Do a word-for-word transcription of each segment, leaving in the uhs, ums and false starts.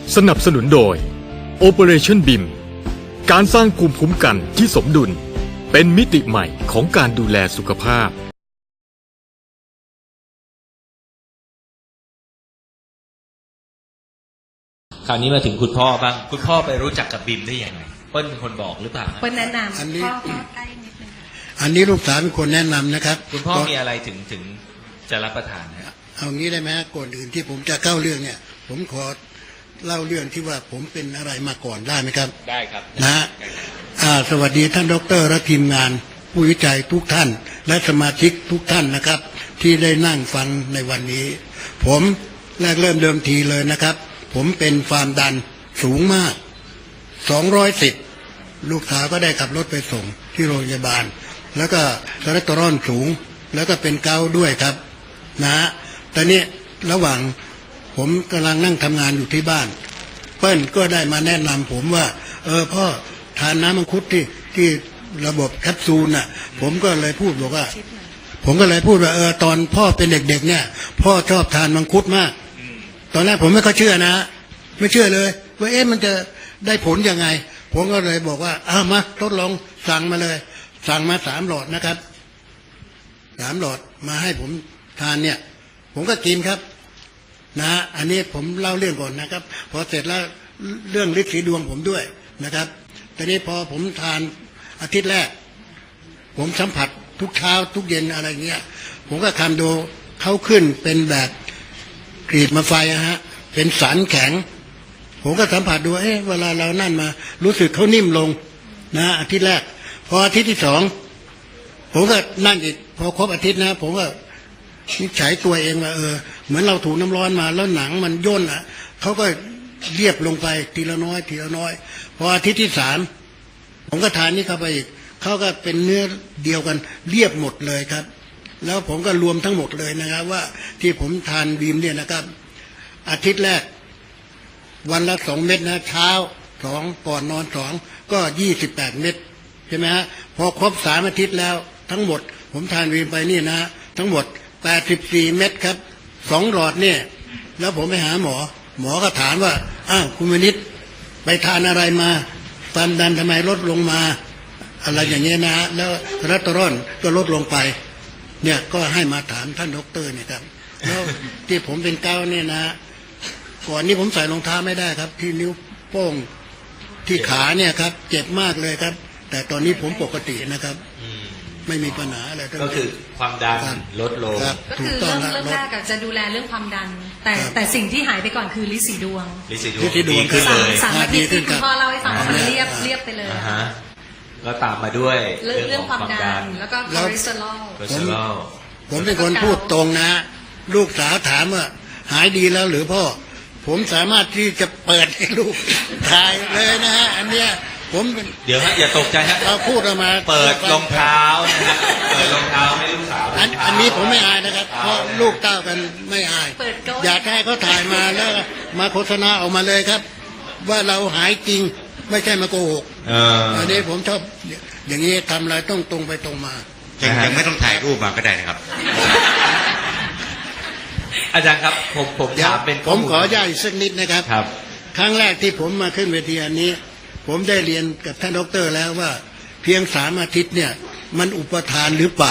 สนับสนุนโดย Operation บี ไอ เอ็ม การสร้างภูมิคุ้มกันที่สมดุลเป็นมิติใหม่ของการดูแลสุขภาพคราวนี้มาถึงคุณพ่อบ้างคุณพ่อไปรู้จักกับบิมได้ยังไงเปิ้ลเป็นคนบอกหรือเปล่าเปิ้ลแนะนำอันนี้พ่อพ่อใกล้นิดนึงอันนี้ลูกสาวเป็นคนแนะนำนะครับคุณพ่อมีอะไรถึงถึงจะรับประทานนะเอางี้ได้ไหมก่อนอื่นที่ผมจะเข้าเรื่องเนี่ย ผมขอเล่าเรื่องที่ว่าผมเป็นอะไรมาก่อนได้ไหมครับได้ครับนะฮะอ่าสวัสดีท่านดรและทีมงานผู้วิจัยทุกท่านและสมาชิกทุกท่านนะครับ ที่ได้นั่งฟังในวันนี้ ผมแรกเริ่มเดิมทีเลยนะครับ ผมเป็นความดันสูงมากสองร้อยสิบลูกสาวก็ได้ขับรถไปส่งที่โรงพยาบาลแล้วก็คอเลสเตอรอลสูงแล้วก็เป็นเกาต์ด้วยครับนะฮะตอนนี้ระหว่างผมกำลังนั่งทำงานอยู่ที่บ้านเปิ้ลก็ได้มาแนะนำผมว่าเออพ่อทานน้ำมังคุดที่ที่ระบบแคปซูลน่ะผมก็เลยพูดบอกว่าผมก็เลยพูดว่าเออตอนพ่อเป็นเด็กๆเนี่ยพ่อชอบทานมังคุดมากตอนแรกผมไม่ค่อยเชื่อนะไม่เชื่อเลยว่าเอ๊ะมันจะได้ผลยังไงผมก็เลยบอกว่าอ้ามาทดลองสั่งมาเลยสั่งมาสามหลอดนะครับสามหลอดมาให้ผมทานเนี่ยผมก็กินครับนะอันนี้ผมเล่าเรื่องก่อนนะครับพอเสร็จแล้วเรื่องฤทธิ์สีดวงผมด้วยนะครับตอนนี้พอผมทานอาทิตย์แรกผมสัมผัสทุกเช้าทุกเย็นอะไรเงี้ยผมก็ทำดูเขาขึ้นเป็นแบบกรีดมาไฟอะฮะเป็นสารแข็งผมก็สัมผัสดูเอ๊ะเวลาเรานั่นมารู้สึกเขานิ่มลงนะอาทิตย์แรกพออาทิตย์ที่สองผมก็นั่งอีกพอครบอาทิตย์นะผมก็นิสัยตัวเองว่าเออเหมือนเราถูน้ำร้อนมาแล้วหนังมันย่นอ่ะเขาก็เรียบลงไปทีละน้อยทีละน้อยพออาทิตย์ที่สามผมก็ทานนี่เข้าไปอีกเขาก็เป็นเนื้อเดียวกันเรียบหมดเลยครับแล้วผมก็รวมทั้งหมดเลยนะครับว่าที่ผมทานบีมเนี่ยนะครับอาทิตย์แรกวันละสองเม็ดนะเช้าสองก่อนนอนสองก็ยี่สิบแปดเม็ดใช่ไหมฮะพอครบสามอาทิตย์แล้วทั้งหมดผมทานบีมไปนี่นะทั้งหมดแปดสิบสี่เม็ดครับสองหลอดเนี่ยแล้วผมไปหาหมอหมอก็ถามว่าอ้าวคุณมณิษฐ์ไปทานอะไรมาความดันทำไมลดลงมาอะไรอย่างเงี้ยนะแล้วคอเลสเตอรอลก็ลดลงไปเนี่ยก็ให้มาถามท่านด็อกเตอร์เนี่ยครับแล้วที่ผมเป็นเกาต์เนี่ยนะก่อนนี้ผมใส่รองเท้าไม่ได้ครับที่นิ้วโป้งที่ขาเนี่ยครับเจ็บมากเลยครับแต่ตอนนี้ผมปกตินะครับไม่มีปัญหาอะไรก็คือความดันลดลงก็คือเริ่มเริ่มแรกจะดูแลเรื่องความดันแต่แต่สิ่งที่หายไปก่อนคือลิสีดวงลิสีดวงดีขึ้นเลยสามอาทิตย์ที่คุณพ่อเล่าให้ฟังมันเรียบเรียบไปเลยก็ตามมาด้วยเรื่องความดันแล้วก็คอเลสเตอรอลผมเป็นคนพูดตรงนะลูกสาวถามว่าหายดีแล้วหรือพ่อผมสามารถที่จะเปิดให้ลูกถ่ายเลยนะฮะอันเนี้ยผมเดี๋ยวฮะอย่าตกใจฮะเราพูดออกมาเปิดรองเท้านะฮะเปิดรองเท้าให้ลูกสาวอันอันนี้ผมไม่อายนะครับเพราะลูกเต้ากันไม่อายอยากให้เขาถ่ายมาแล้วมาโฆษณาออกมาเลยครับว่าเราหายจริงไม่ใช่มาโกหกอันนี้ผมชอบอย่างนี้ทำอะไรต้องตรงไปตรงมายังยังไม่ต้องถ่ายรูปมาก็ได้นะครับอาจารย์ครับผมผมถามเป็นผมขอย้ายสักนิดนะครับครับครั้งแรกที่ผมมาขึ้นเวทีอันนี้ผมได้เรียนกับท่านดร.แล้วว่าเพียงสามอาทิตย์เนี่ยมันอุปทานหรือเปล่า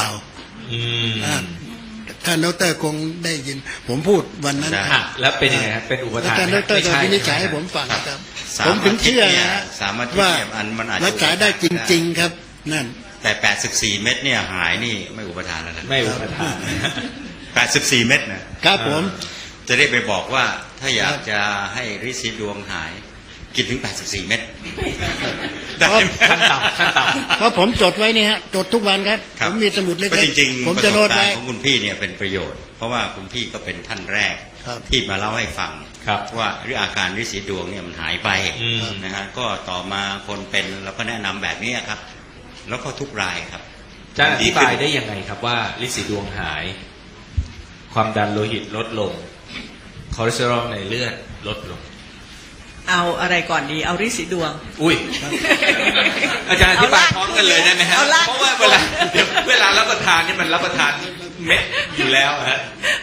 ท่านดร.คงได้ยินผมพูดวันนั้นแล้วเป็นยังไงครับเป็นอุปทานท่านดร.ก็พินิจฉัยให้ผมฟังครับผมถึงเชื่อนะว่ารักษาได้จริงๆครับนั่นแต่แปดสิบสี่เม็ดเนี่ยหายนี่ไม่อุปทานแล้วนะไม่อุปทานแปดสิบสี่เม็ดนะครับผมจะได้ไปบอกว่าถ้าอยากจะให้ฤทธิ์สีดวงหายกินถึงแปดสิบสี่เม็ดขั้นต่ำขั้นต่ำเพราะผมจดไว้นี่ฮะจดทุกวันครับผมมีสมุดเล็กๆจริงๆผมจะโน้ตไว้ของคุณพี่เนี่ยเป็นประโยชน์เพราะว่าคุณพี่ก็เป็นท่านแรกที่มาเล่าให้ฟังว่าเรื่องอาการฤทธิ์สีดวงเนี่ยมันหายไปนะฮะก็ต่อมาคนเป็นเราก็แนะนำแบบนี้ครับแล้วก็ทุกรายครับจะอธิบายได้ยังไงครับว่าฤทธิ์สีดวงหายความดันโลหิตลดลงคอเลสเตอรอลในเลือดลดลงเอาอะไรก่อนดีเอาฤทธิ์สีดวงอุ้ยอาจารย์อธิบายพร้อมกันเลยได้ไหมฮะเพราะว่าเวลาเวลารับประทานนี่มันรับประทานเม็ดอยู่แล้วฮะ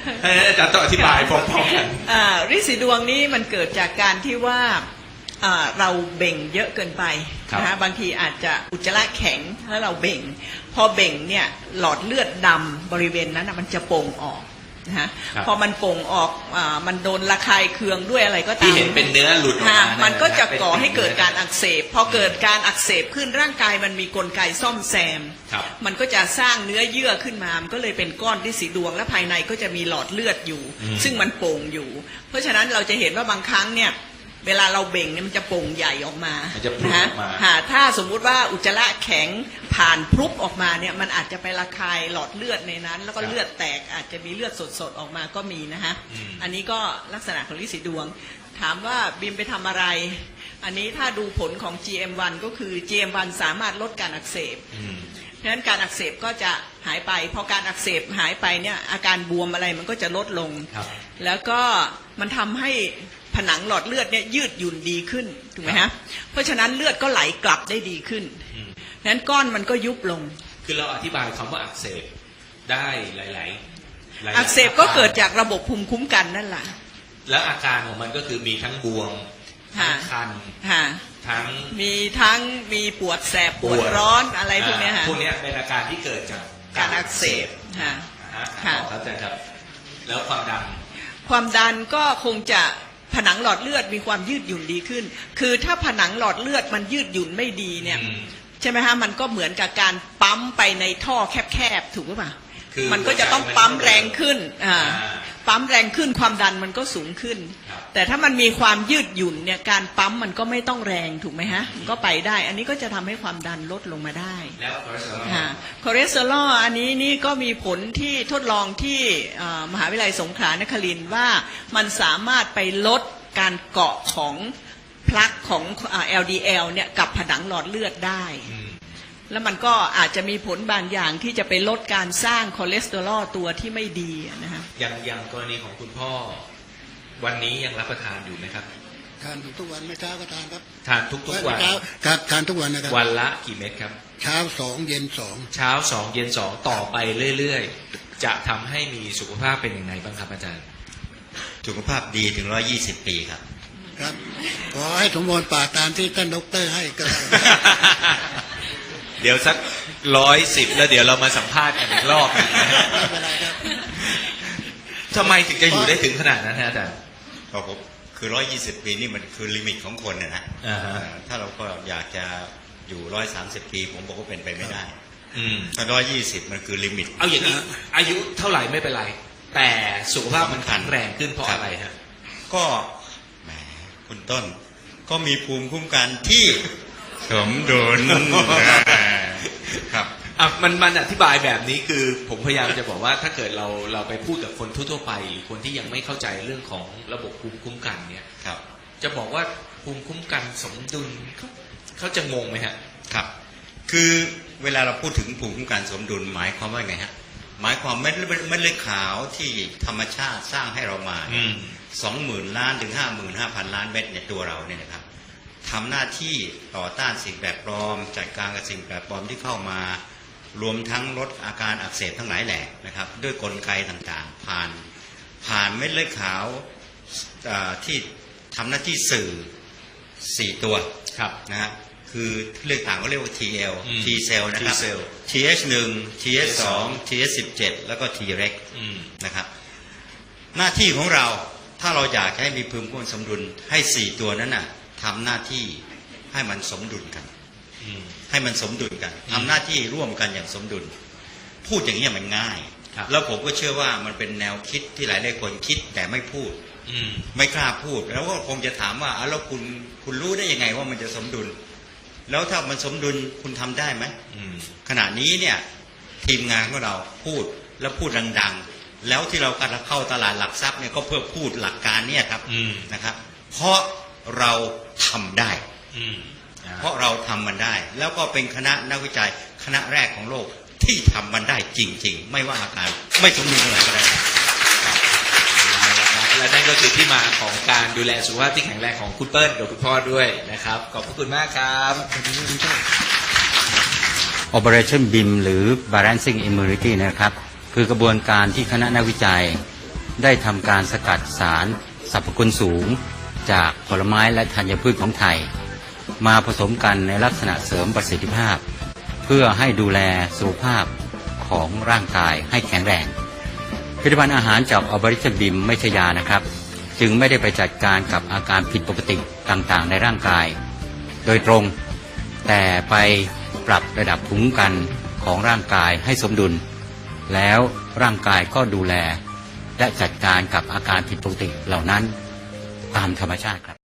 ให้อาจารย์ต้องอธิบายพร้อมๆกันอ่าฤทธิ์สีดวงนี้มันเกิดจากการที่ว่าอ่าเราเบ่งเยอะเกินไปนะฮะบางทีอาจจะอุจจาระแข็งแล้วเราเบ่งพอเบ่งเนี่ยหลอดเลือดดำบริเวณนั้นนะมันจะโป่งออกนะฮะพอมันโป่งออกอ่ามันโดนระคายเคืองด้วยอะไรก็ตามที่เห็นเป็นเนื้อหลุดออกมาค่ะมันก็จะก่อให้เกิดการอักเสบพอเกิดการอักเสบขึ้นร่างกายมันมีกลไกซ่อมแซมครับมันก็จะสร้างเนื้อเยื่อขึ้นมามันก็เลยเป็นก้อนที่สีดวงและภายในก็จะมีหลอดเลือดอยู่ ซึ่งมันโป่งอยู่ เพราะฉะนั้นเราจะเห็นว่าบางครั้งเนี่ยเวลาเราเบ่งเนี่ยมันจะโป่งใหญ่ออกมามันจะพรุนออกมาฮะถ้าสมมุติว่าอุจจาระแข็งผ่านพรุบออกมาเนี่ยมันอาจจะไประคายหลอดเลือดในนั้น แล้วก็เลือดแตกอาจจะมีเลือดสดๆออกมาก็มีนะฮะอันนี้ก็ลักษณะของฤทธิ์สีดวงถามว่าบิมไปทำอะไรอันนี้ถ้าดูผลของ จี เอ็ม วัน ก็คือ จี เอ็ม วัน สามารถลดการอักเสบเพราะฉะนั้นการอักเสบก็จะหายไปพอการอักเสบหายไปเนี่ยอาการบวมอะไรมันก็จะลดลงแล้วก็มันทำให้ผนังหลอดเลือดเนี่ยยืดหยุ่นดีขึ้นถูกไหมฮะเพราะฉะนั้นเลือดก็ไหลกลับได้ดีขึ้นนั้นก้อนมันก็ยุบลงคือเราอธิบายคำว่าอักเสบได้หลายๆหลายๆอักเสบก็เกิดจากระบบภูมิคุ้มกันนั่นแหละแล้วอาการของมันก็คือมีทั้งบวมทั้งคันค่ะทั้งมีทั้งมีปวดแสบปวดร้อนอะไรพวกเนี้ยฮะพวกเนี้ยเป็นอาการที่เกิดจากการอักเสบค่ะอ่าค่ะต่อครับอาจารย์ครับ แล้วความดันความดันก็คงจะผนังหลอดเลือดมีความยืดหยุ่นดีขึ้น คือถ้าผนังหลอดเลือดมันยืดหยุ่นไม่ดีเนี่ยอืมใช่ไหมฮะมันก็เหมือนกับการปั๊มไปในท่อแคบๆถูกหรือเปล่าคือมันก็จะต้องปั๊มแรงขึ้นอ่าอ่าปั๊มแรงขึ้นความดันมันก็สูงขึ้นครับแต่ถ้ามันมีความยืดหยุ่นเนี่ยการปั๊มมันก็ไม่ต้องแรงถูกไหมฮะมันก็ไปได้ อันนี้ก็จะทำให้ความดันลดลงมาได้แล้วคอเลสเตอรอลค่ะคอเลสเตอรอลอันนี้นี่ก็มีผลที่ทดลองที่เอ่อมหาวิทยาลัยสงขลานครินทร์ว่ามันสามารถไปลดการเกาะของพลักของอ่า แอล ดี แอล เนี่ยกับผนังหลอดเลือดได้อืมแล้วมันก็อาจจะมีผลบางอย่างที่จะไปลดการสร้างคอเลสเตอรอลตัวที่ไม่ดีนะฮะอย่างอย่างกรณีของคุณพ่อ วันนี้ยังรับประทานอยู่ไหมครับทานทุกวันไม่เช้าก็ทานครับทานทุกๆวันเช้าครับทานทุกวันนะครับวันละกี่เม็ดครับเช้าสองเย็นสองเช้าสองเย็นสองต่อไปเรื่อยๆ จะทำให้มีสุขภาพเป็นยังไงบ้างครับอาจารย์สุขภาพดีถึงร้อยยี่สิบปีครับครับขอให้สมบูรณ์ป่ากตามที่ท่านดอกเตอรให้ก็แล้วเดี๋ยวสักร้อยสิบแล้วเดี๋ยวเรามาสัมภาษณ์กันอีกรอบหนึ่งนะฮะไม่เป็นไรครับทำไมถึงจะอยู่ได้ถึงขนาดนั้นฮะอาจารย์ก็ผมคือร้อยยี่สิบปีนี่มันคือลิมิตของคนนะนะอ่าฮะเอ่อถ้าเราก็อยากจะอยู่ร้อยสามสิบปี ผมบอกว่าเป็นไปไม่ได้อืมถ้าร้อยยี่สิบมันคือลิมิตเอาอย่างนี้อายุเท่าไหร่ไม่เป็นไร แต่สุขภาพมันแข็งแรงขึ้นเพราะอะไรฮะก็แหมคุณต้นก็มีภูมิคุ้มกันที่สมดุลครับอ่ะมันมันอธิบายแบบนี้คือผมพยายามจะบอกว่าถ้าเกิดเราเราไปพูดกับคนทั่วๆไปหรือคนที่ยังไม่เข้าใจเรื่องของระบบภูมิคุ้มกันเนี่ยครับจะบอกว่าภูมิคุ้มกันสมดุลเขาเขาจะงงไหมฮะครับ คือเวลาเราพูดถึงภูมิคุ้มกันสมดุลหมายความว่าไงฮะหมายความเม็ดเลือดเม็ดเลือดขาวที่ธรรมชาติสร้างให้เรามาอืมสองหมื่นล้านถึงห้าหมื่นห้าพันล้านเม็ดในตัวเราเนี่ยนะครับทำหน้าที่ต่อต้านสิ่งแปลกปลอมจัดการกับสิ่งแปลกปลอมที่เข้ามารวมทั้งลดอาการอักเสบทั้งหลายแหละนะครับด้วยกลไกต่างๆ ผ่านผ่านเม็ดเลือดขาวอ่าที่ทำหน้าที่สื่อสี่ตัวครับนะฮะคือเรียกต่างก็เรียกว่า ที แอลอืม T cell นะครับ T cell ที เอช หนึ่ง ที เอช สอง ที เอช สิบเจ็ด แล้วก็ T reg อืมนะครับหน้าที่ของเราถ้าเราอยากให้มีภูมิคุ้มกันสมดุลให้สี่ตัวนั้นน่ะทำหน้าที่ให้มันสมดุลกันอืมให้มันสมดุลกันทำหน้าที่ร่วมกันอย่างสมดุล พูดอย่างนี้ยมันง่ายครับแล้วผมก็เชื่อว่ามันเป็นแนวคิดที่หลายหลายคนคิดแต่ไม่พูดอืมไม่กล้าพูด แล้วก็คงจะถามว่าอ้าวแล้วคุณคุณรู้ได้ยังไงว่ามันจะสมดุล แล้วถ้ามันสมดุลคุณทำได้ไหมอืมขณะนี้เนี่ยทีมงานของเราพูดแล้วพูดดังๆ แล้วที่เรากำลังเข้าตลาดหลักทรัพย์เนี่ยก็เพื่อพูดหลักการเนี่ยครับอืมนะครับ เพราะเราทำได้อืมอ่าเพราะเราทำมันได้ แล้วก็เป็นคณะนักวิจัยคณะแรกของโลกที่ทำมันได้จริง ๆ ไม่ว่าอาการไม่สมดุลอะไรก็ได้และนั่นก็คือที่มาของการดูแลสุขภาพที่แข็งแรงของคุณเปิ้ลกับคุณพ่อด้วยนะครับ ขอบพระคุณมากครับ Operation บี ไอ เอ็ม หรือ Balancing Immunity นะครับคือกระบวนการที่คณะนักวิจัยได้ทำการสกัดสารสรรพคุณสูงจากผลไม้และธัญพืชของไทยมาผสมกันในลักษณะเสริมประสิทธิภาพเพื่อให้ดูแลสุขภาพของร่างกายให้แข็งแรงผลิตภัณฑ์อาหารจากออบริชบิมไม่ใช่ยานะครับจึงไม่ได้ไปจัดการกับอาการผิดปกติต่างๆในร่างกายโดยตรงแต่ไปปรับระดับภูมิคุ้มกันของร่างกายให้สมดุลแล้วร่างกายก็ดูแลและจัดการกับอาการผิดปกติเหล่านั้นตามธรรมชาติครับ